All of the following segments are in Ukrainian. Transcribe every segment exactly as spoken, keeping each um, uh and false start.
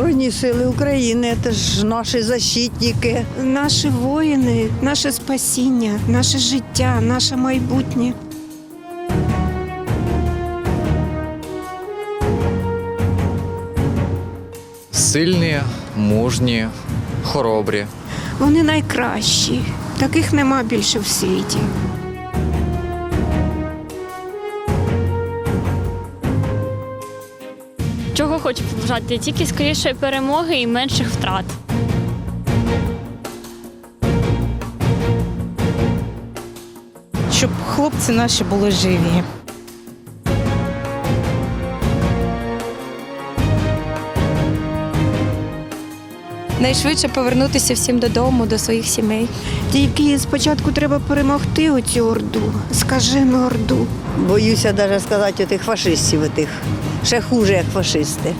Збройні сили України, це ж наші защитники. Наші воїни, наше спасіння, наше життя, наше майбутнє. Сильні, мужні, хоробрі. Вони найкращі. Таких нема більше в світі. Чого хочу побажати? Тільки скорішої перемоги і менших втрат. Щоб хлопці наші були живі. Найшвидше повернутися всім додому, до своїх сімей. Тільки спочатку треба перемогти оцю орду, скажену орду. Боюся навіть сказати тих фашистів, отих. Ще хуже, як фашисти.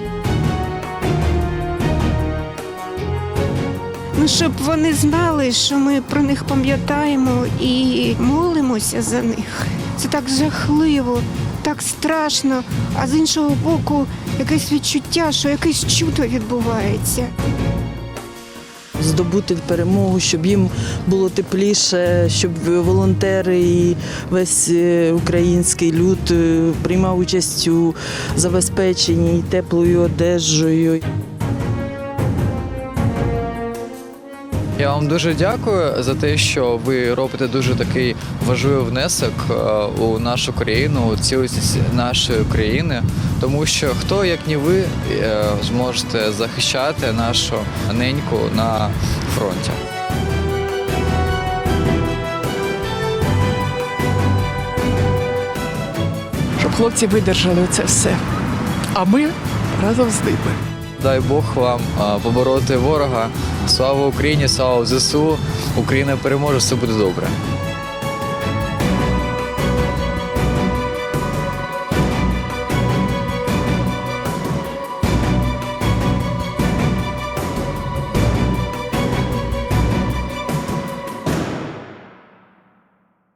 Ну, щоб вони знали, що ми про них пам'ятаємо і молимося за них. Це так жахливо, так страшно, а з іншого боку якесь відчуття, що якесь чудо відбувається. Здобути перемогу, щоб їм було тепліше, щоб волонтери і весь український люд приймав участь у забезпеченні теплою одежею. Я вам дуже дякую за те, що ви робите дуже такий важливий внесок у нашу країну, у цілісність нашої країни, тому що хто, як не ви, зможете захищати нашу неньку на фронті. Щоб хлопці видержали це все, а ми разом з ними. Дай Бог вам побороти ворога. Слава Україні, слава ЗСУ. Україна переможе, все буде добре.